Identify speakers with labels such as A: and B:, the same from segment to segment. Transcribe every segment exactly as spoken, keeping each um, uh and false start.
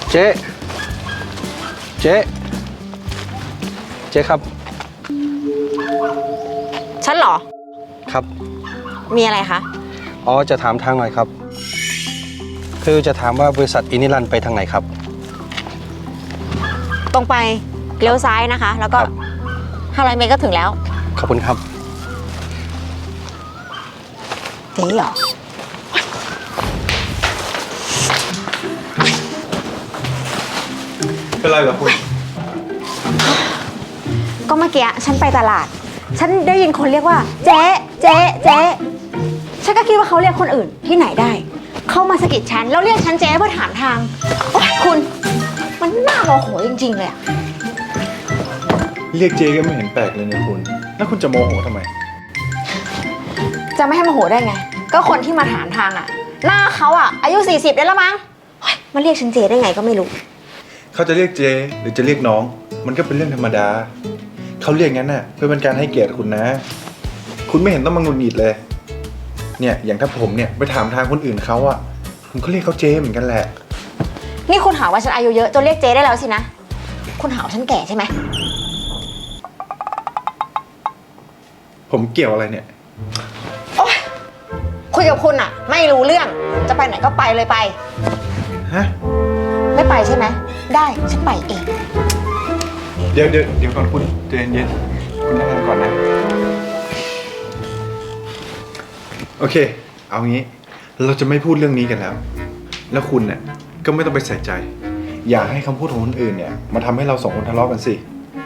A: เจ๊เจ๊เจ๊ครับ
B: ฉันเหรอ
A: ครับ
B: มีอะไรคะ
A: อ๋อจะถามทางหน่อยครับคือจะถามว่าบริษัทอินิรันไปทางไหนครับ
B: ตรงไปเลี้ยวซ้ายนะคะแล้วก็ห้าร้อยเมตรก็ถึงแล้ว
A: ขอบคุณครับ
B: เจ๊เหรอ
C: เป็นไรเหรอคุณ
B: ก็เมื่อกี้ฉันไปตลาดฉันได้ยินคนเรียกว่าเจ๊เจ๊เจ๊ฉันก็คิดว่าเขาเรียกคนอื่นที่ไหนได้เข้ามาสะกิดฉันแล้วเรียกฉันเจ๊เพื่อถามทางโอ๊ยคุณมันน่าโมโหจริงๆเลยอะ
C: เรียกเจ๊ก็ไม่เห็นแปลกเลยเนี่ยคุณแล้วคุณจะโมโหทำไม
B: จะไม่ให้โมโหได้ไงก็คนที่มาถามทางอะหน้าเขาอะอายุสี่สิบได้แล้วมั้งมาเรียกฉันเจ๊ได้ไงก็ไม่รู้
C: เขาจะเรียกเจ๊หรือจะเรียกน้องมันก็เป็นเรื่องธรรมดาเขาเรียกงั้นน่ะเพื่อเป็นการให้เกียรติคุณนะคุณไม่เห็นต้องมาหงุดหงิดเลยเนี่ยอย่างถ้าผมเนี่ยไปถามทางคนอื่นเขาอะผมก็เรียกเขาเจ๊เหมือนกันแหละ
B: นี่คุณหาว่าฉันอายุเยอะจนเรียกเจ๊ได้แล้วสินะคุณหาว่าฉันแก่ใช่ไหม
C: ผมเกี่ยวอะไรเนี่ย
B: โอ๊ยคุยกับคุณอะไม่รู้เรื่องจะไปไหนก็ไปเลยไป
C: ฮะ
B: ไม่ไปใช่ไหมได้ฉันไปเอง
C: เดี๋ยวเดี๋ยวเดี๋ยวก่อนคุณใจเย็นคุณนั่งก่อนนะโอเคเอางี้เราจะไม่พูดเรื่องนี้กันแล้วแล้วคุณเนี่ยก็ไม่ต้องไปใส่ใจอย่าให้คำพูดของคนอื่นเนี่ยมาทำให้เราสองคนทะเลาะกันสิ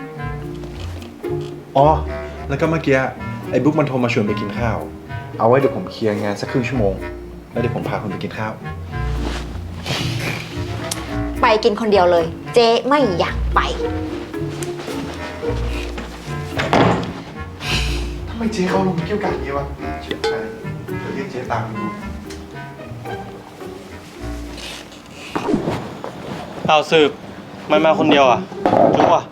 C: อ๋อแล้วก็เมื่อกี้ไอ้บุ๊กมันโทรมาชวนไปกินข้าวเอาไว้เดี๋ยวผมเคลียร์งานสักครึ่งชั่วโมงแล้วเดี๋ยวผมพาคุณไปกินข้าว
B: ไปกินคนเดียวเลยเจ๊ไม่อยากไป
C: ทำไมเจ๊เขาลงเกี่ยวกับอย่างนี้วะเชื่อใจเดี๋ยวเรียกเจ๊ตามดู
D: เอาสืบไม่มาคนเดียวอ่ะจุ๊บอ่ะ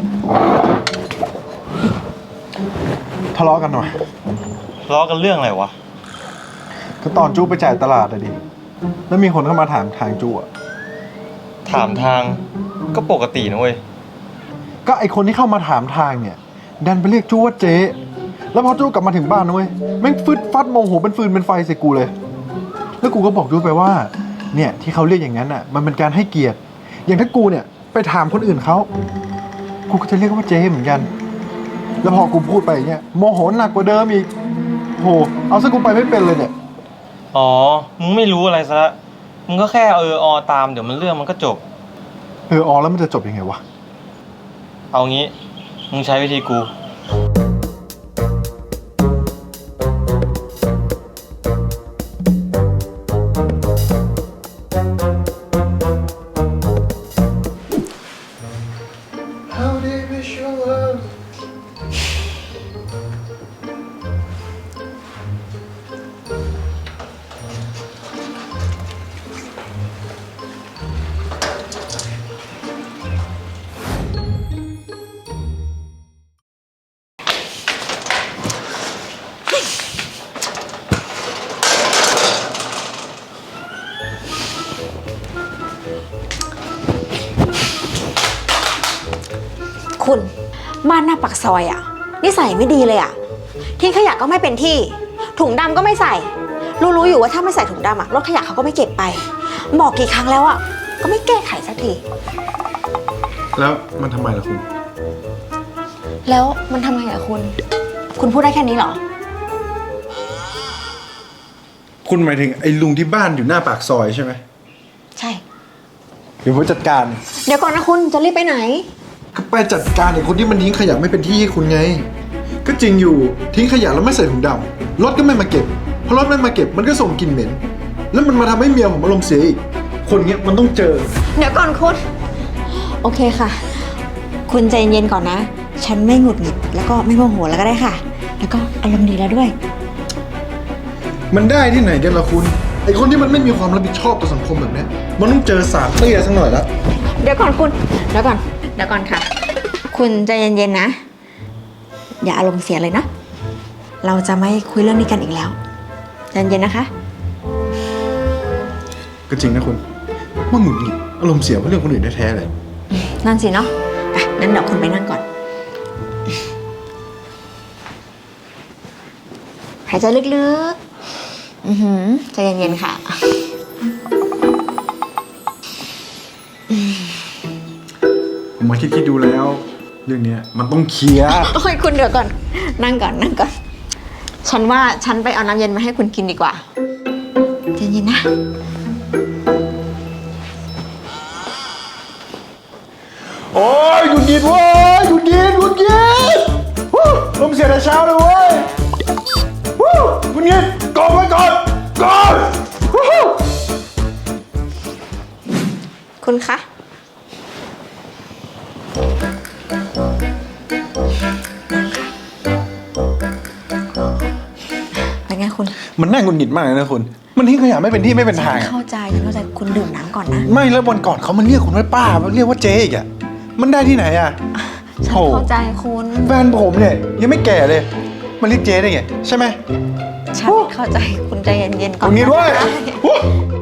C: ทะเลาะกันหน่อย
D: ทะเลาะกันเรื่องอะไรวะ
C: ก็ตอนจู้ไปจ่ายตลาดอะดิแล้วมีคนเข้ามาถามทางจู้อะ
D: ถามทางก็ปกตินะเว้ย
C: ก็ไอคนที่เข้ามาถามทางเนี่ยดันไปเรียกจู้ว่าเจ๊แล้วพอจู้กลับมาถึงบ้านนะเว้ยแม่งฟึดฟัดโมโหเป็นฟืนเป็นไฟใส่กูเลยแล้วกูก็บอกจู้ไปว่าเนี่ยที่เขาเรียกอย่างนั้นอ่ะมันเป็นการให้เกียรติอย่างถ้ากูเนี่ยไปถามคนอื่นเขากูก็จะเรียกว่าเจ๊เหมือนกันแล้วพอกูพูดไปอย่างเงี้ยโมโหหนักกว่าเดิมอีกโหเอาซะกูไปไม่เป็นเลยเนี่ย
D: อ๋อมึงไม่รู้อะไรซะละมึงก็แค่เอออตามเดี๋ยวมันเรื่องมันก็จบ
C: เอออแล้วมันจะจบยังไงวะ
D: เอางี้มึงใช้วิธีกู
B: คุณบ้านหน้าปากซอยอ่ะนิสัยไม่ดีเลยอ่ะทิ้งขยะก็ไม่เป็นที่ถุงดำก็ไม่ใส่รู้ๆอยู่ว่าถ้าไม่ใส่ถุงดำอ่ะรถขยะเขาก็ไม่เก็บไปบอกกี่ครั้งแล้วอ่ะก็ไม่แก้ไขสักที
C: แล้วมันทำไมล่ะคุณ
B: แล้วมันทำไงอ่ะคุณคุณพูดได้แค่นี้เหรอ
C: คุณหมายถึงไอ้ลุงที่บ้านอยู่หน้าปากซอยใช่ไหม
B: ใช่
C: เดี๋ยวผมจัดการ
B: เดี๋ยวก่อนนะคุณจะรีบไปไหน
C: ก็ไปจัดการไอ้คนที่มันทิ้งขยะไม่เป็นที่ให้คุณไงก็จริงอยู่ทิ้งขยะแล้วไม่ใส่ถุงดำรถก็ไม่มาเก็บพอรถไม่มาเก็บมันก็ส่งกลิ่นเหม็นแล้วมันมาทำให้เมียผมอารมณ์เสียอีกคนเงี้ยมันต้องเจอ
B: เดี๋ยวก่อนคุณโอเคค่ะคุณใจเย็นก่อนนะฉันไม่หงุดหงิดแล้วก็ไม่โมโหแล้วก็ได้ค่ะแล้วก็อารมณ์ดีแล้วด้วย
C: มันได้ที่ไหนกันล่ะคุณไอ้คนที่มันไม่มีความรับผิดชอบต่อสังคมแบบนี้มันต้องเจอสารเตี้ยสักหน่อยละ
B: เดี๋ยวก่อนคุณเดี๋ยวก่อนเดี๋ยวก่อนค่ะคุณใจเย็นๆนะอย่าอารมณ์เสียเลยนะเราจะไม่คุยเรื่องนี้กันอีกแล้วใจเย็นๆนะคะ
C: ก็จริงนะคุณมันหงุดหงิดอารมณ์เสียเพราะเรื่องคนอื่นแท้ๆเลย
B: นั่นสิเนาะไปงั้นเดี๋ยวคุณไปนั่งก่อน หายใจลึกๆ อือหือใจเย็นๆค่ะ
C: ผมมาคิดๆดูแล้ว เรื่องเนี้ยมันต้องเคลียร์
B: โอ้ยคุณเดี๋ยวก่อน นั่งก่อนนั่งก่อน ฉันว่าฉันไปเอาน้ำเย็นมาให้คุณกินดีกว่าใจเย็นๆนะ
C: โอ้ยหงุดหงิดเว้ยหงุดหงิดหงุดหงิดวู้ลมเสียแต่เช้าเลยเว้ยวู้หงุดหงิดกดไว้ก่อนก่อนวู้
B: คุณคะ เป็นไงคุณ
C: มันน่าหงุดหงิดมากเลยนะคุณ มันทิ้งขยะไม่เป็นที่ไม่เป็นทาง
B: ฉัน
C: อะ
B: เข้าใจฉันเข้าใจคุณดื่มน้ำก่อนนะ
C: ไม่แล้ววันก่อนเขามันเรียกคุณว่าป้ามันเรียกว่าเจ๊อีกอะมันได้ที่ไหนอะ
B: ฉัน
C: โอ้
B: เข้าใจคุณ
C: แฟนผมเนี่ยยังไม่แก่เลย มันเรียกเจ๊ได้ไงใช่ไหม
B: ฉันเข้าใจคุณใจเย็นๆก่
C: ห
B: อง น
C: ุดหงิดเว้ย
B: นะ
C: วู้